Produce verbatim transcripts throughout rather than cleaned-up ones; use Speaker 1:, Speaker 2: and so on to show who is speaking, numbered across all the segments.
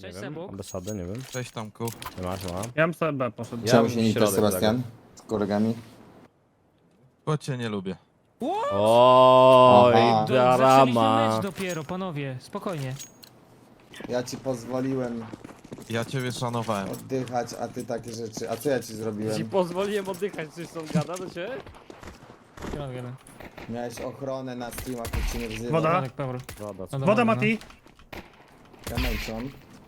Speaker 1: Nie
Speaker 2: Cześć,
Speaker 1: wiem,
Speaker 2: Sebuk.
Speaker 1: ambasady, nie wiem.
Speaker 3: Cześć Tomku.
Speaker 1: Nie masz, nie ma.
Speaker 4: Ja bym sobie B poszedł.
Speaker 1: Ja
Speaker 5: Czemu
Speaker 1: bym
Speaker 5: się nie
Speaker 1: środek
Speaker 5: idzie Sebastian? Z kolegami?
Speaker 3: Bo cię nie lubię.
Speaker 1: Oj,
Speaker 5: Aha.
Speaker 2: Do, zaczęliśmy
Speaker 1: drama.
Speaker 2: mecz dopiero, panowie, spokojnie.
Speaker 5: Ja ci pozwoliłem
Speaker 3: Ja ciebie szanowałem.
Speaker 5: oddychać, a ty takie rzeczy. A co ja ci
Speaker 1: Ci
Speaker 5: zrobiłem?
Speaker 1: pozwoliłem oddychać, coś są gada do ciebie?
Speaker 2: Jeden, jeden.
Speaker 5: Miałeś ochronę na streamach, jak cię nie wzywał.
Speaker 4: Woda.
Speaker 2: Radek, Pewor.
Speaker 1: Woda,
Speaker 2: No
Speaker 4: Woda,
Speaker 2: dobra,
Speaker 4: Mati.
Speaker 5: Ja męczą.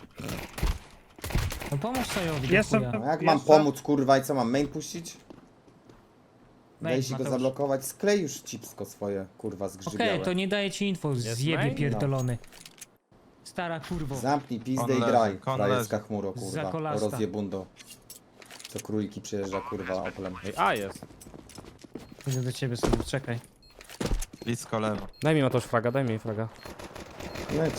Speaker 2: No pomóż Sajowi,
Speaker 4: Jeszcze-
Speaker 2: do chuja.
Speaker 5: No jak mam
Speaker 4: Jeszcze?
Speaker 5: pomóc, kurwa, i co mam? Main puścić?
Speaker 2: Main,
Speaker 5: Wejść i go
Speaker 2: Mateusz.
Speaker 5: zablokować? Sklej już cipsko swoje, kurwa,
Speaker 2: Okej,
Speaker 5: zgrzybiałe.
Speaker 2: to nie daję ci info, zjebie
Speaker 1: main?
Speaker 2: pierdolony. Stara kurwo.
Speaker 5: Zamknij pizdę
Speaker 3: Kon
Speaker 5: i
Speaker 3: leży,
Speaker 5: graj,
Speaker 3: kon
Speaker 5: frajerska
Speaker 3: leży.
Speaker 5: chmuro, kurwa.
Speaker 2: Zakolasta.
Speaker 5: Rozjebundo. Co króliki przyjeżdża, kurwa, Oplem.
Speaker 1: Ej, a jest.
Speaker 2: Idę do ciebie sobie, czekaj.
Speaker 3: Blisko lewo.
Speaker 1: Daj mi Mateusz fraga, daj mi fraga.
Speaker 5: Leć.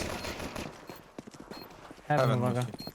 Speaker 2: Ewan,
Speaker 3: Ewan
Speaker 2: uwaga.
Speaker 3: musi.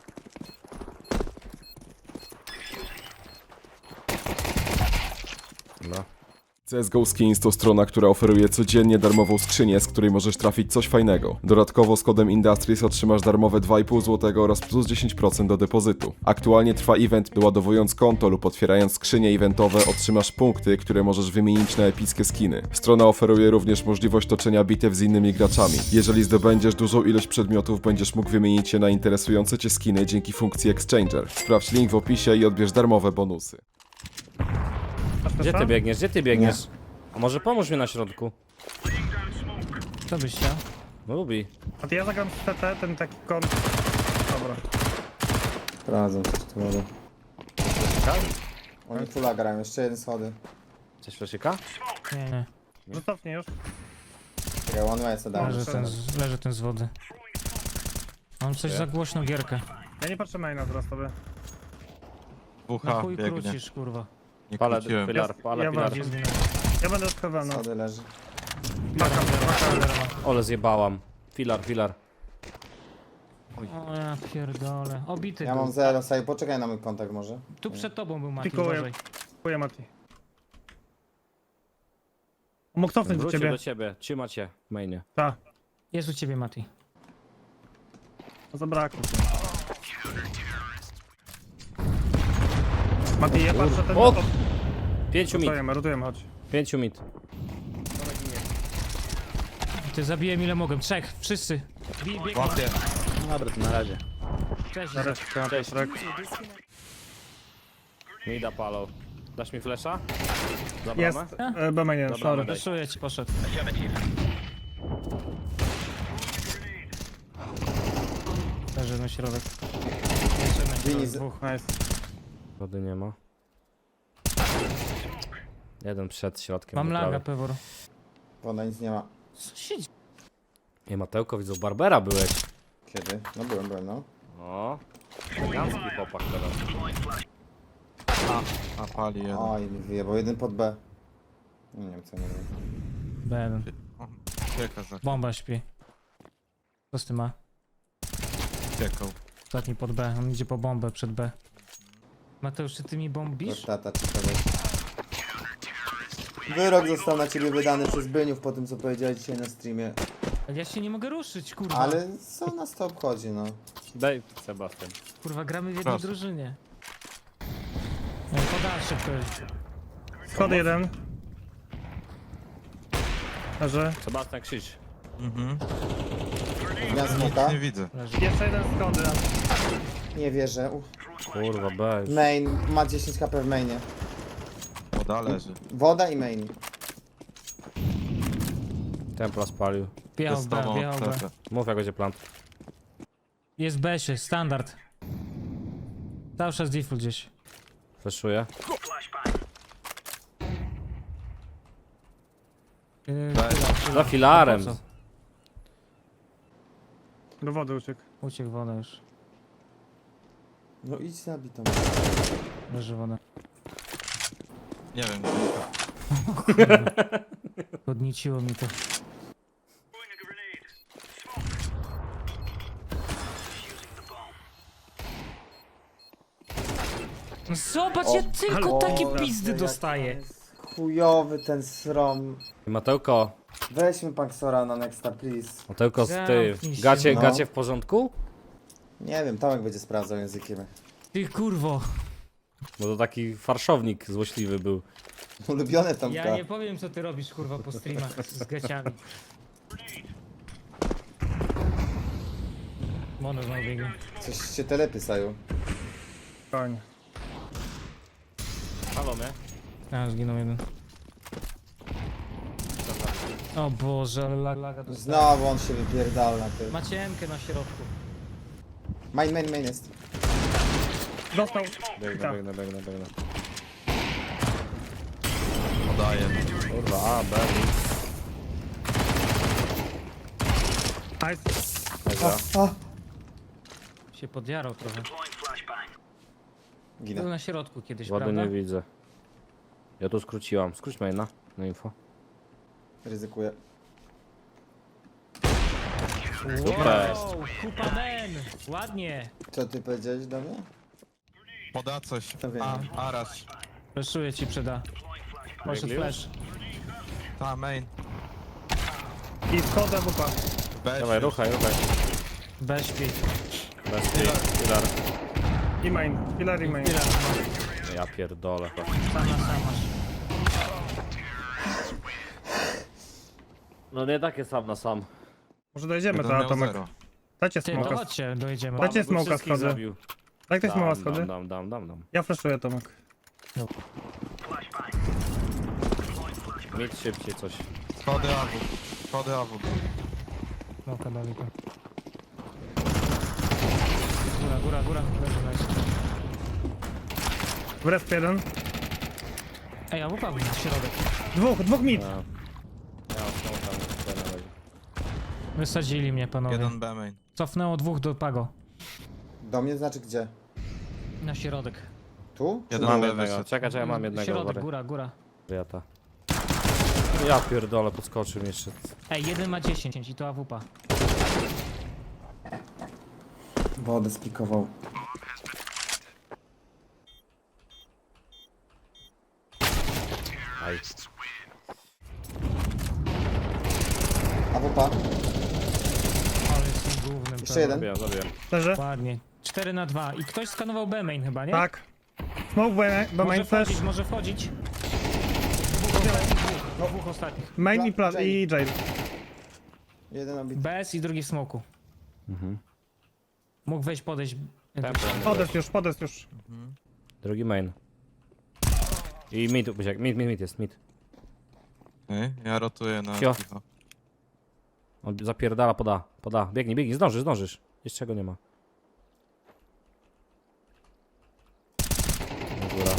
Speaker 1: No.
Speaker 6: C S G O Skins to strona, która oferuje codziennie darmową skrzynię, z której możesz trafić coś fajnego. Dodatkowo z kodem Industries otrzymasz darmowe dwa i pół złotego oraz plus dziesięć procent do depozytu. Aktualnie trwa event, doładowując konto lub otwierając skrzynie eventowe otrzymasz punkty, które możesz wymienić na epickie skiny. Strona oferuje również możliwość toczenia bitew z innymi graczami. Jeżeli zdobędziesz dużą ilość przedmiotów, będziesz mógł wymienić je na interesujące cię skiny dzięki funkcji Exchanger. Sprawdź link w opisie i odbierz darmowe bonusy.
Speaker 4: Masz
Speaker 1: Gdzie ty
Speaker 4: też
Speaker 1: biegniesz, gdzie ty biegniesz? A może pomóż mi na środku?
Speaker 2: Co byś chciał?
Speaker 1: No lubi.
Speaker 4: A ty ja zagram z T T, ten taki kąt. Dobra.
Speaker 5: Prowadzą coś tu wodę. Oni fulla grają, jeszcze jeden schody.
Speaker 1: Coś fleszyka?
Speaker 2: Nie, nie.
Speaker 4: Że cofnij już.
Speaker 5: Czekaj, one way co dałem.
Speaker 2: Leży ten, z, leży ten z wody. Mam coś za głośną gierkę.
Speaker 4: Ja nie patrzę maina teraz tobie.
Speaker 2: Na
Speaker 3: Bucha
Speaker 2: chuj
Speaker 3: biegnie.
Speaker 2: krócisz, kurwa.
Speaker 3: Nie
Speaker 1: Pala
Speaker 3: króciłem.
Speaker 1: filar, pala
Speaker 4: Ja
Speaker 1: filar.
Speaker 2: Gdzie zginął?
Speaker 4: Ja będę odkrywał, no.
Speaker 5: Schody leży.
Speaker 4: Paka mnie, paka mnie.
Speaker 1: Ole zjebałam. Filar, filar.
Speaker 2: O ja pierdolę. Obity
Speaker 5: Ja
Speaker 2: był.
Speaker 5: mam zero, saj, poczekaj na mój kontakt może.
Speaker 2: Tu przed tobą był Mati,
Speaker 4: Pikuję.
Speaker 2: uważaj.
Speaker 4: Dziękuję, Mati. Mógł cofnąć do
Speaker 1: Wrócił
Speaker 4: ciebie.
Speaker 1: do ciebie, trzyma cię w mainie.
Speaker 4: Tak.
Speaker 2: Jest u ciebie Mati.
Speaker 4: Zabrakło. Mati, ja patrzę ten...
Speaker 1: O! Pięciu mit,
Speaker 4: Rotujemy, rotujemy, chodź.
Speaker 1: pięciu mit.
Speaker 2: Ty zabiłem ile mogłem. Trzech, wszyscy. Bij, biegną.
Speaker 3: Łapie.
Speaker 1: Dobra, to na razie.
Speaker 2: Cześć.
Speaker 4: Zaraz,
Speaker 1: Cześć.
Speaker 4: Piotrek.
Speaker 1: Mida palą. Dasz mi flesza? Za
Speaker 4: Jest.
Speaker 1: bramę?
Speaker 4: E, B mainie,
Speaker 1: Dobra,
Speaker 4: sorry.
Speaker 1: daj.
Speaker 2: Wyszuję ci, poszedł. Leży na środek. Jeszcze jeden.
Speaker 5: Wini z...
Speaker 4: Dwóch, nice.
Speaker 1: Wody nie ma. Jeden przed środkiem.
Speaker 2: Mam
Speaker 1: po
Speaker 2: laga,
Speaker 1: prawej.
Speaker 2: Pewor.
Speaker 5: Woda nic nie ma.
Speaker 2: Co się dzieje?
Speaker 1: Nie, Matełko, widzę, u Barbera byłeś.
Speaker 5: Kiedy? No byłem, byłem, no.
Speaker 1: O, elegancki chłopak teraz.
Speaker 3: A pali jeden.
Speaker 5: Oj, mi wyjebał, jeden pod B. Nie wiem co nie wiem.
Speaker 2: B jeden.
Speaker 3: O, Ucieka za
Speaker 2: Bomba śpi. Co z tym ma?
Speaker 3: uciekał.
Speaker 2: Ostatni pod B. On idzie po bombę przed B. Mateusz, czy ty mi bombisz?
Speaker 5: Tata czy kogoś. Wyrok został na ciebie wydany przez Byniów po tym co powiedziałeś dzisiaj na streamie.
Speaker 2: Ale ja się nie mogę ruszyć, kurwa.
Speaker 5: Ale co nas to obchodzi, no.
Speaker 1: Daj Sebastian.
Speaker 2: Kurwa, gramy w jednej
Speaker 3: Proszę.
Speaker 2: drużynie. No, podaj szybko.
Speaker 4: Schody jeden. Leży.
Speaker 1: Sebastian, krzycz.
Speaker 3: Mhm.
Speaker 5: Ja smoka.
Speaker 3: Nie widzę.
Speaker 2: Leży.
Speaker 4: Jeszcze jeden schody.
Speaker 5: Nie wierzę. Uf.
Speaker 1: Kurwa, bez.
Speaker 5: Main, ma dziesięć HP w mainie.
Speaker 3: Woda leży.
Speaker 5: Woda i main.
Speaker 1: Templa spalił.
Speaker 2: Biał
Speaker 3: Jest
Speaker 2: B,
Speaker 3: tobą
Speaker 2: biał B.
Speaker 3: C T.
Speaker 1: Mów jak będzie plant.
Speaker 2: Jest B-sie, standard. Cały czas default gdzieś.
Speaker 1: Fleszuję.
Speaker 2: Yy,
Speaker 3: Weź.
Speaker 1: Za filarem.
Speaker 2: Po co?
Speaker 4: Do wody uciekł.
Speaker 2: Uciekł woda już.
Speaker 5: No idź zabij to.
Speaker 2: Leży woda.
Speaker 3: Nie wiem, gdzie to.
Speaker 2: Podnieciło mi to. No zobacz, ja tylko
Speaker 4: ale-
Speaker 2: takie
Speaker 4: o,
Speaker 2: pizdy
Speaker 5: Jak
Speaker 2: dostaję.
Speaker 5: jest Chujowy ten srom.
Speaker 1: Matełko,
Speaker 5: Weźmy Paxora na nexta, please.
Speaker 1: Matełko, ty.
Speaker 2: Zamknij się.
Speaker 1: Gacie,
Speaker 5: No.
Speaker 1: gacie w porządku?
Speaker 5: Nie wiem, Tomek będzie sprawdzał językiem.
Speaker 2: Ty kurwo.
Speaker 1: Bo to taki farszownik złośliwy był.
Speaker 5: Ulubione Tomka.
Speaker 2: Ja nie powiem co ty robisz kurwa po streamach z gaciami. Mono znowu biegnie.
Speaker 5: Coś się telepy sają.
Speaker 4: Koń.
Speaker 1: Halo mnie?
Speaker 2: A, zginął jeden. O Boże, ale lag, laga to
Speaker 5: Znowu on się wypierdał na tym.
Speaker 2: Macie M-kę na środku.
Speaker 5: Main, main, main jest.
Speaker 4: Dostał.
Speaker 1: Biegnę,
Speaker 4: Tak.
Speaker 1: biegnę, biegnę, biegnę.
Speaker 3: Podaję.
Speaker 1: Kurwa, a, B, X.
Speaker 4: Nice.
Speaker 1: Dobra.
Speaker 5: A!
Speaker 2: Się podjarał trochę. Był
Speaker 5: Ginę.
Speaker 2: na środku kiedyś,
Speaker 1: Ładnie
Speaker 2: prawda?
Speaker 1: nie widzę. Ja tu skróciłam. Skróć maina na info.
Speaker 5: Ryzykuję.
Speaker 1: Super.
Speaker 2: Wow, kupa men! Ładnie!
Speaker 5: Co ty powiedziałeś do mnie?
Speaker 3: Poda coś.
Speaker 5: To wiem.
Speaker 3: A, Arash.
Speaker 2: Flashuję ci przyda. Poszedł
Speaker 1: Biegli
Speaker 2: flash.
Speaker 3: Ta, main.
Speaker 4: I wchodzę w upa.
Speaker 3: B.
Speaker 1: Dawaj, ruchaj, ruchaj.
Speaker 2: Bez śpi.
Speaker 1: Bez tych, filar.
Speaker 4: I main. Filar i main.
Speaker 2: Filar, no.
Speaker 1: Ja pierdolę.
Speaker 2: Sam na sam masz.
Speaker 1: No nie takie sam na sam.
Speaker 4: Może dojedziemy
Speaker 3: Jeden
Speaker 4: to,
Speaker 3: miał
Speaker 4: Tomek.
Speaker 3: zero.
Speaker 4: Dajcie
Speaker 2: Ty, to
Speaker 4: smoka.
Speaker 2: chodźcie, dojedziemy.
Speaker 4: Dajcie
Speaker 1: Paweł by
Speaker 4: smoka
Speaker 1: wszystkich
Speaker 4: schody.
Speaker 1: zabił.
Speaker 4: Daj ktoś smoka
Speaker 1: Dam,
Speaker 4: schody.
Speaker 1: dam, dam, dam, dam, dam.
Speaker 4: Ja flashuję Tomek.
Speaker 1: Mieć szybciej coś.
Speaker 3: Schody A W. Schody A W.
Speaker 2: Smoka dali to. Góra, góra, góra. Leży, leży.
Speaker 4: W resp jeden.
Speaker 2: Ej, a łupa w środek.
Speaker 4: Dwóch, dwóch mid.
Speaker 1: Ja, ja mam tam na razie.
Speaker 2: Wysadzili mnie panowie.
Speaker 3: Jeden B main.
Speaker 2: Cofnęło dwóch do Pago.
Speaker 5: Do mnie znaczy gdzie?
Speaker 2: Na środek.
Speaker 5: Tu?
Speaker 3: Jeden
Speaker 1: Mam
Speaker 3: B
Speaker 1: jednego.
Speaker 3: wyszedł.
Speaker 1: Czekaj, czekaj, mam jednego.
Speaker 2: Środek,
Speaker 1: Środek,
Speaker 2: góra, góra.
Speaker 1: Jata. Ja pierdolę, podskoczył mi jeszcze.
Speaker 2: Ej, jeden ma dziesięć i to A W P.
Speaker 5: Wodę spikował.
Speaker 1: Aj.
Speaker 5: A wupa.
Speaker 2: Ale jestem głównym.
Speaker 5: Jeszcze jeden.
Speaker 1: Zabiłem, zabiłem.
Speaker 4: Leży.
Speaker 2: Ładnie. cztery na dwa. I ktoś skanował B main chyba, nie?
Speaker 4: Tak. Smoke B, bo
Speaker 2: Może
Speaker 4: main flash.
Speaker 2: wchodzić, może wchodzić. Dwóch ostatnich, dwóch. No, dwóch ostatnich.
Speaker 4: Main i,
Speaker 5: Pla-
Speaker 4: pla- i jail.
Speaker 5: Jeden obity.
Speaker 2: B S i drugi w smoku.
Speaker 1: Mhm.
Speaker 2: Mógł wejść, podejść.
Speaker 1: Tempo.
Speaker 4: Podest już, podest już.
Speaker 1: Drugi main. I mid, Buziak, mid, mid, mid jest, mid.
Speaker 3: Okej, ja rotuję na
Speaker 1: Cio.
Speaker 3: piwo.
Speaker 1: On zapierdala, poda, poda. Biegnij, biegnij, zdążysz, zdążysz. Jeszcze czego nie ma. Góra.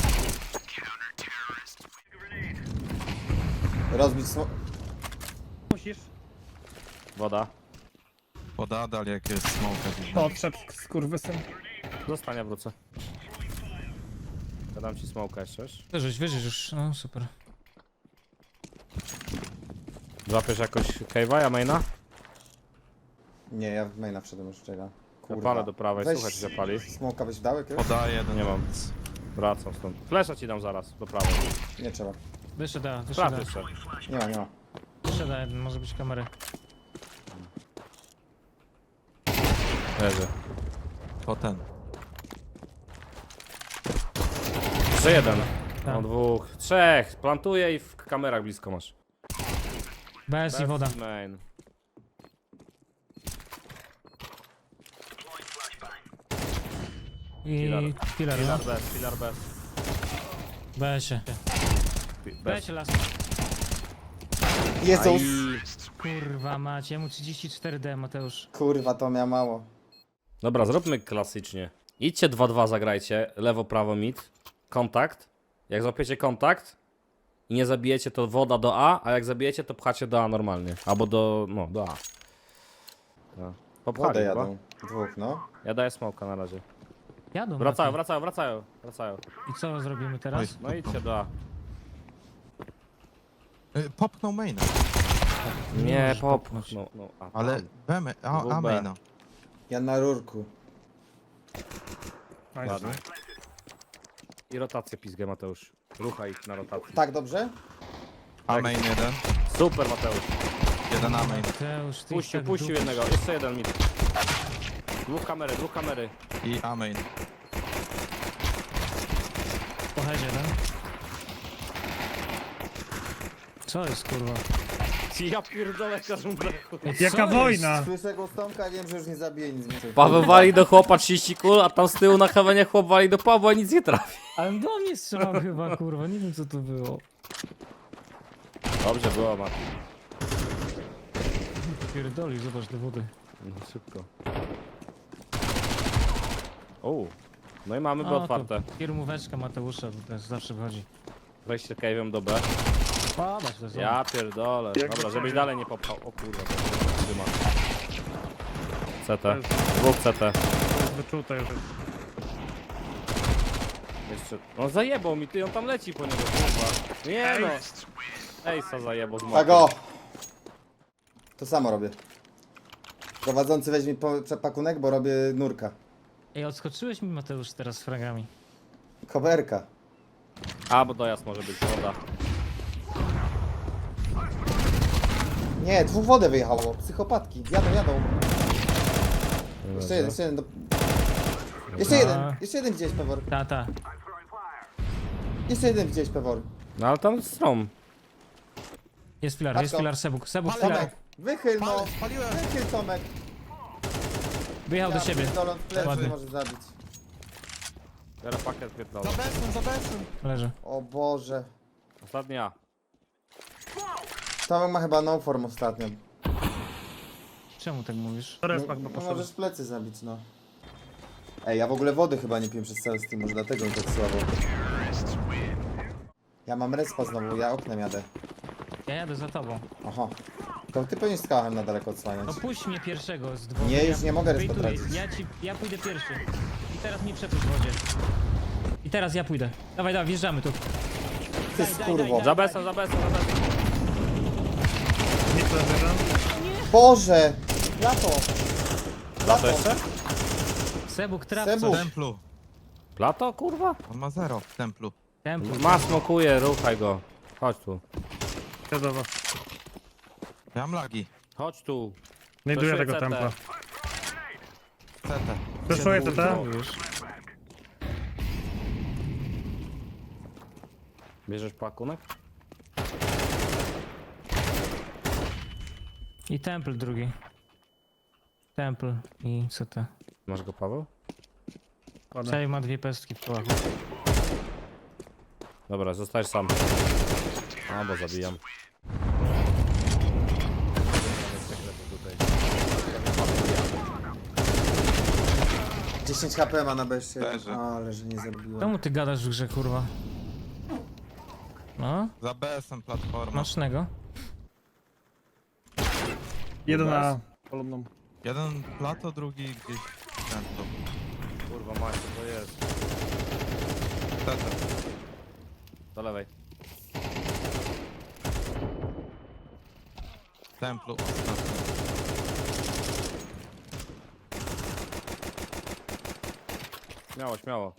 Speaker 5: Rozbić smo...
Speaker 4: Musisz.
Speaker 1: Woda.
Speaker 3: Poda, dalej jak jest smoke.
Speaker 4: Podszedł, skurwysyn.
Speaker 1: Zostania, wrócę. Dam ci smoka jeszcze. wiesz?
Speaker 2: Wyrzuć, wyrzuć już. No super.
Speaker 1: Złapiesz jakoś cave'a, ja maina?
Speaker 5: Nie, ja w maina wszedłem już czeka.
Speaker 1: Zapalę do prawej,
Speaker 5: Weź
Speaker 1: słuchaj, czy zapali.
Speaker 5: Smoka byś dał jakiegoś?
Speaker 3: Poda jeden.
Speaker 1: Nie mam. Wracam stąd. Flesza ci dam zaraz, do prawej.
Speaker 5: Nie trzeba.
Speaker 2: Wyszedł, A, wyszedł.
Speaker 1: Sprawdź
Speaker 2: A.
Speaker 1: jeszcze.
Speaker 5: Nie ma, nie ma.
Speaker 2: Wyszedł, A jeden, może być kamery.
Speaker 1: Leży.
Speaker 3: To ten.
Speaker 1: Jeszcze jeden.
Speaker 2: Tak.
Speaker 1: Mam dwóch. Trzech. Plantuję i w kamerach blisko masz.
Speaker 2: B S i woda.
Speaker 1: Main.
Speaker 2: I filar, no.
Speaker 1: Filar bez, filar bez.
Speaker 2: B S ie. B
Speaker 1: Bez.
Speaker 2: S las.
Speaker 5: Jezus!
Speaker 2: Kurwa macie, mu trzydzieści cztery D Mateusz.
Speaker 5: Kurwa, to miał mało.
Speaker 1: Dobra, zróbmy klasycznie. Idźcie dwa dwa zagrajcie, lewo, prawo, mid. Kontakt. Jak złapiecie kontakt i nie zabijecie, to woda do A, a jak zabijecie, to pchacie do A normalnie. Albo do, no, do A. No. Popchali
Speaker 5: Wodę
Speaker 1: chyba.
Speaker 5: jadą. Dwóch, no.
Speaker 1: Ja daję smoka na razie.
Speaker 2: Jadą.
Speaker 1: Wracają,
Speaker 2: Mati.
Speaker 1: wracają, wracają, wracają.
Speaker 2: I co zrobimy teraz?
Speaker 1: No idźcie do A.
Speaker 3: Y, Popchnął maina.
Speaker 1: Nie,
Speaker 2: możesz
Speaker 1: pop.
Speaker 2: popchnąć.
Speaker 1: No, no, a,
Speaker 3: Ale
Speaker 1: tam.
Speaker 3: B ma- a,
Speaker 1: Dwóch
Speaker 3: a
Speaker 1: B.
Speaker 3: maina.
Speaker 5: Ja na rurku.
Speaker 4: Nice.
Speaker 1: Ładnie. I rotację pizgę, Mateusz. Ruchaj ich na rotację.
Speaker 5: Tak, dobrze?
Speaker 3: A
Speaker 1: Tak.
Speaker 3: main jeden.
Speaker 1: Super, Mateusz.
Speaker 3: Jeden A main.
Speaker 2: Mateusz, ty
Speaker 1: Puścił,
Speaker 2: tak
Speaker 1: puścił
Speaker 2: dupisz.
Speaker 1: jednego. Jeszcze jeden mid. Dwóch kamery, dwóch kamery.
Speaker 3: I A main.
Speaker 2: Po headzie, jeden. Co jest, kurwa?
Speaker 1: Ja pierdolę każą
Speaker 2: Ej,
Speaker 4: Jaka
Speaker 2: co
Speaker 4: wojna?
Speaker 2: jest?
Speaker 5: Słyszę go stomka i wiem, że już nie zabije nic więcej.
Speaker 1: Paweł wali do chłopa trzydzieści kul, a tam z tyłu na hawenie chłop wali do Pawła i nic nie trafi.
Speaker 2: Ale do mnie strzelał chyba, kurwa, nie wiem co to było.
Speaker 1: Dobrze było, Mati.
Speaker 2: Pierdoli, zobacz te wody.
Speaker 1: No, szybko. O, no i mamy B
Speaker 2: O, to
Speaker 1: otwarte.
Speaker 2: Firmóweczka Mateusza, to też zawsze wychodzi.
Speaker 1: Wejście cave'em do B.
Speaker 2: Padać to są.
Speaker 1: Ja pierdolę.
Speaker 4: Jak
Speaker 1: Dobra,
Speaker 4: to
Speaker 1: żebyś
Speaker 4: się-
Speaker 1: dalej nie popchał. O kurwa, to trzyma. C T. Dwóch C T.
Speaker 4: Wyczute już.
Speaker 1: Jeszcze. No zajebał mi, ty on tam leci po niego, kurwa. Nie no. Ejsa zajebał z
Speaker 5: Tak o! To samo robię. Prowadzący weźmie po- przepakunek, bo robię nurka.
Speaker 2: Ej, odskoczyłeś mi Mateusz teraz z fragami.
Speaker 5: Koberka.
Speaker 1: A, bo dojazd może być woda.
Speaker 5: Nie, dwóch wodę wyjechało. Psychopatki. Jadą, jadą. Jeszcze jeden, jeszcze jeden. Do... Jeszcze jeden, jeszcze jeden widziałeś Pewor.
Speaker 2: Ta, ta.
Speaker 5: Jeszcze jeden widziałeś Pewor.
Speaker 1: No ale tam strom.
Speaker 2: Jest filar,
Speaker 5: Patrz
Speaker 2: jest
Speaker 5: to.
Speaker 2: filar Sebuk. Sebuk filar.
Speaker 5: Tomek, wychyl no.
Speaker 3: Pal, spaliłem!
Speaker 5: Wychyl Tomek.
Speaker 2: Wyjechał do siebie.
Speaker 5: Dolon w plecy
Speaker 2: Ładnie.
Speaker 5: może zabić.
Speaker 1: Biorę pakiet pierdolę.
Speaker 3: Za besem, za besem!
Speaker 2: Leży.
Speaker 5: O Boże.
Speaker 1: Ostatnia.
Speaker 5: Tomek ma chyba no form ostatnio.
Speaker 2: Czemu tak mówisz?
Speaker 4: Respak
Speaker 5: No,
Speaker 4: chyba
Speaker 5: no
Speaker 4: poszedł.
Speaker 5: możesz plecy zabić, no. Ej, ja w ogóle wody chyba nie piję przez cały Steam, może dlatego mi tak słabo. Ja mam respa znowu, ja oknem jadę.
Speaker 2: Ja jadę za tobą.
Speaker 5: Aha. To ty powinieneś z kałachem na daleko odsłaniać.
Speaker 2: No puść mnie pierwszego z dwóch.
Speaker 5: Nie, już nie mogę respa
Speaker 2: wejtuję.
Speaker 5: tracić.
Speaker 2: Ja ci, ja pójdę pierwszy. I teraz mnie przepuść w wodzie. I teraz ja pójdę. Dawaj, dawaj, wjeżdżamy tu.
Speaker 5: Ty
Speaker 2: daj,
Speaker 5: skurwo.
Speaker 2: daj,
Speaker 1: Za besem, za besem, za besem.
Speaker 4: Nic leży.
Speaker 5: Boże! Lato!
Speaker 1: Plato jeszcze?
Speaker 2: Sebuk, trapco.
Speaker 5: Sebuk.
Speaker 3: W templu.
Speaker 1: Plato, kurwa?
Speaker 3: On ma zero w templu.
Speaker 2: Temple.
Speaker 1: Ma smokuje, ruchaj go. Chodź tu.
Speaker 4: Wiadomo.
Speaker 3: Ja mam lagi.
Speaker 1: Chodź tu.
Speaker 4: Znajduję
Speaker 1: Proszę
Speaker 4: tego
Speaker 1: C T.
Speaker 4: templa.
Speaker 3: C T.
Speaker 4: Przeszuję T T.
Speaker 2: już.
Speaker 1: Bierzesz pakunek?
Speaker 2: I temple drugi. Temple i C T.
Speaker 1: Masz go, Paweł?
Speaker 2: Czaj ma dwie pestki w kołachu.
Speaker 1: Dobra, zostajesz sam. A, bo zabijam.
Speaker 5: dziesięć HP ma na beście.
Speaker 3: Leży.
Speaker 5: Ale że nie zabiłem.
Speaker 2: Czemu ty gadasz w grze, kurwa? No,
Speaker 3: Za besem platforma.
Speaker 2: macznego.
Speaker 4: Jeden na polubną.
Speaker 3: Jeden plato, drugi gdzieś w templu.
Speaker 1: Kurwa mać, to jest.
Speaker 3: C T.
Speaker 1: Do lewej.
Speaker 3: W templu ostatni.
Speaker 1: Śmiało, śmiało.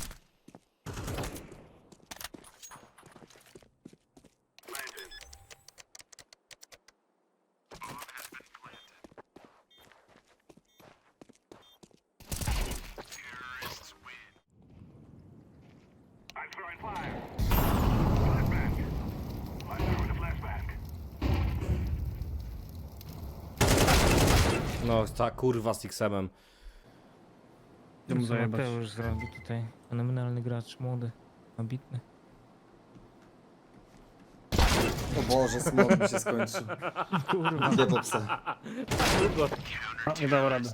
Speaker 1: No, ta kurwa z X-em.
Speaker 4: Idę mu
Speaker 2: Co
Speaker 4: zajebać.
Speaker 2: Mateusz zrobił tutaj. Fenomenalny gracz, młody, ambitny.
Speaker 5: O Boże, smok mi się skończył.
Speaker 2: Kurwa.
Speaker 5: Idę po psa.
Speaker 4: No, nie dało rady.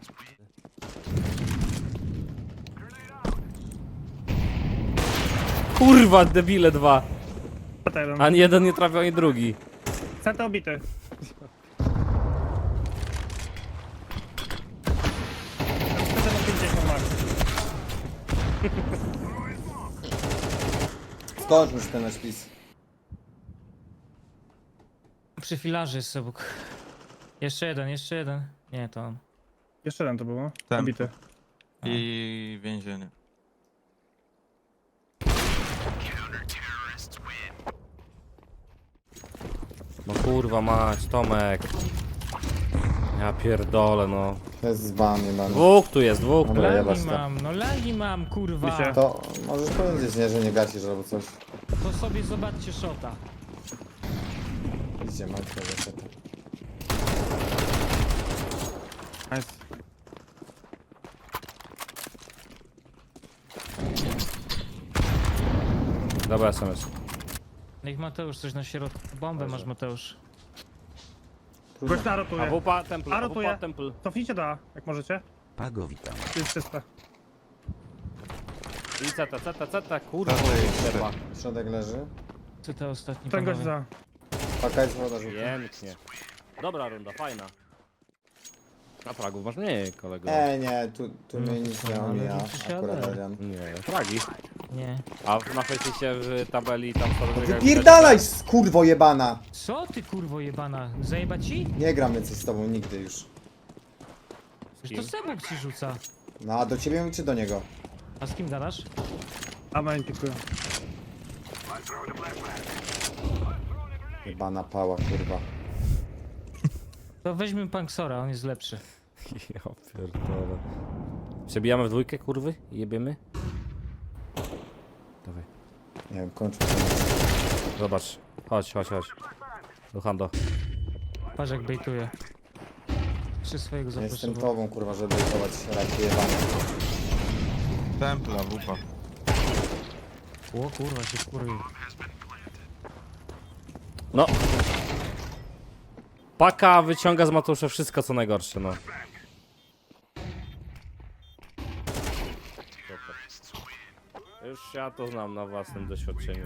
Speaker 1: Kurwa, debile dwa.
Speaker 4: C T jeden.
Speaker 1: Ani jeden nie trafił, ani drugi.
Speaker 4: C T obity. C T ma pięćdziesiąt max.
Speaker 5: Skończ już ten nasz pis.
Speaker 2: Przy filarze jest Sebuk. Jeszcze jeden, jeszcze jeden. Nie, to on.
Speaker 4: Jeszcze jeden to było.
Speaker 3: Tempo.
Speaker 4: Obity.
Speaker 3: I więzienie.
Speaker 1: No kurwa mać, Tomek. Ja pierdolę, no.
Speaker 5: To jest zban, nie ban.
Speaker 1: Dwóch tu jest, dwóch.
Speaker 5: Dobra,
Speaker 2: Lagi
Speaker 5: jebać to.
Speaker 2: mam, no lagi mam, kurwa.
Speaker 4: Wiecie?
Speaker 5: To możesz powiedzieć, nie, że nie gasisz albo coś.
Speaker 2: To sobie zobaczcie szota.
Speaker 5: Idzie, mam tego seta.
Speaker 4: Nice.
Speaker 1: Dobra, S M S.
Speaker 2: Niech Mateusz coś na środku. Bombę masz, Mateusz.
Speaker 4: Gość na
Speaker 1: A
Speaker 4: rotuje.
Speaker 1: wupa temple,
Speaker 4: A
Speaker 1: a
Speaker 4: rotuje.
Speaker 1: wupa temple.
Speaker 4: Cofnijcie do A, jak możecie.
Speaker 7: Pago, witam.
Speaker 4: Jest czyste.
Speaker 1: I C T, C T, C T, kurwa.
Speaker 3: Dobra, jest
Speaker 1: Trzeba.
Speaker 5: Środek leży.
Speaker 2: Co to ostatni
Speaker 4: Ten gość
Speaker 2: panowie?
Speaker 4: za.
Speaker 5: Paka jest woda żółta.
Speaker 1: Pięknie. Dobra runda, fajna. A fragów masz mniej, kolego.
Speaker 5: E, nie, tu, tu mnie
Speaker 2: No,
Speaker 5: nic nie
Speaker 2: ale
Speaker 5: omija.
Speaker 2: liczy się
Speaker 5: Akurat
Speaker 2: ale.
Speaker 5: Adrian.
Speaker 1: Nie, fragi.
Speaker 2: Nie.
Speaker 1: A w- na fejsie w tabeli tam co
Speaker 5: Wypierdalaj, kurwo jebana!
Speaker 2: Co ty kurwo jebana? Zajebać ci?
Speaker 5: Nie gram więcej z tobą nigdy już.
Speaker 2: Już to Sebuk ci rzuca.
Speaker 5: No a do ciebie czy do niego?
Speaker 2: A z kim gadasz?
Speaker 4: A main pikuję.
Speaker 5: Jebana pała, kurwa.
Speaker 2: To weźmy Panksora, on jest lepszy.
Speaker 1: Ja pierdolę. Przebijamy w dwójkę, kurwy? I jebiemy? Dawaj.
Speaker 5: Nie wiem, kończę.
Speaker 1: Zobacz. Chodź, chodź, chodź. Do Hando.
Speaker 2: Patrz jak bejtuje. Czy swojego
Speaker 5: Nie jestem
Speaker 2: zaproszował.
Speaker 5: tobą, kurwa, żeby bejtować raki jebane.
Speaker 3: Templa, wupa.
Speaker 2: O kurwa się wkurwił.
Speaker 1: No. Paka wyciąga z Mateusza wszystko co najgorsze, no. Super. Już ja to znam na własnym doświadczeniu.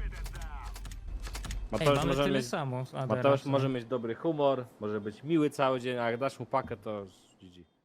Speaker 2: Ej,
Speaker 1: Mateusz,
Speaker 2: mamy
Speaker 1: może
Speaker 2: tyle
Speaker 1: mieć,
Speaker 2: samo. Adera,
Speaker 1: Mateusz
Speaker 2: co?
Speaker 1: może mieć dobry humor, może być miły cały dzień, a jak dasz mu pakę to G G.